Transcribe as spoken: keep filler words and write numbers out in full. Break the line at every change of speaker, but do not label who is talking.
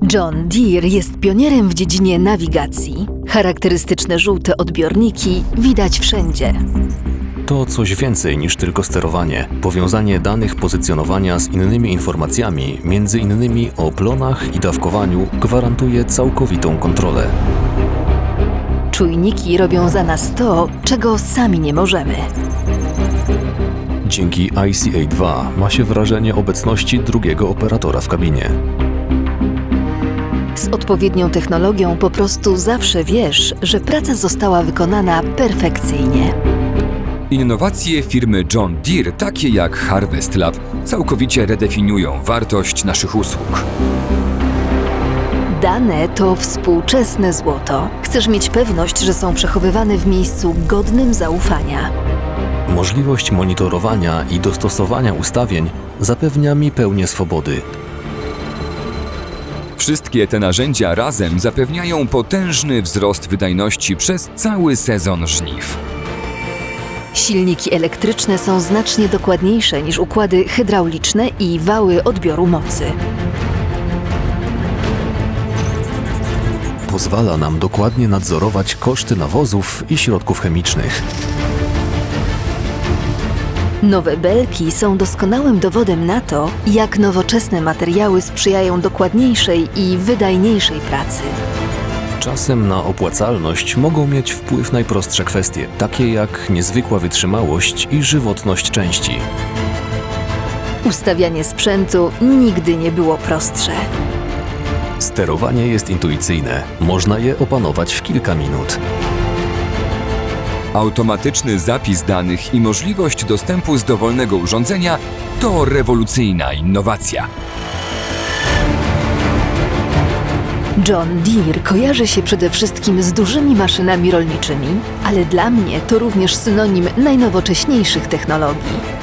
John Deere jest pionierem w dziedzinie nawigacji. Charakterystyczne żółte odbiorniki widać wszędzie.
To coś więcej niż tylko sterowanie. Powiązanie danych pozycjonowania z innymi informacjami, między innymi o plonach i dawkowaniu, gwarantuje całkowitą kontrolę.
Czujniki robią za nas to, czego sami nie możemy.
Dzięki I C A dwa ma się wrażenie obecności drugiego operatora w kabinie.
Z odpowiednią technologią po prostu zawsze wiesz, że praca została wykonana perfekcyjnie.
Innowacje firmy John Deere, takie jak Harvest Lab, całkowicie redefiniują wartość naszych usług.
Dane to współczesne złoto. Chcesz mieć pewność, że są przechowywane w miejscu godnym zaufania.
Możliwość monitorowania i dostosowania ustawień zapewnia mi pełnię swobody.
Wszystkie te narzędzia razem zapewniają potężny wzrost wydajności przez cały sezon żniw.
Silniki elektryczne są znacznie dokładniejsze niż układy hydrauliczne i wały odbioru mocy.
Pozwala nam dokładnie nadzorować koszty nawozów i środków chemicznych.
Nowe belki są doskonałym dowodem na to, jak nowoczesne materiały sprzyjają dokładniejszej i wydajniejszej pracy.
Czasem na opłacalność mogą mieć wpływ najprostsze kwestie, takie jak niezwykła wytrzymałość i żywotność części.
Ustawianie sprzętu nigdy nie było prostsze.
Sterowanie jest intuicyjne, można je opanować w kilka minut.
Automatyczny zapis danych i możliwość dostępu z dowolnego urządzenia to rewolucyjna innowacja.
John Deere kojarzy się przede wszystkim z dużymi maszynami rolniczymi, ale dla mnie to również synonim najnowocześniejszych technologii.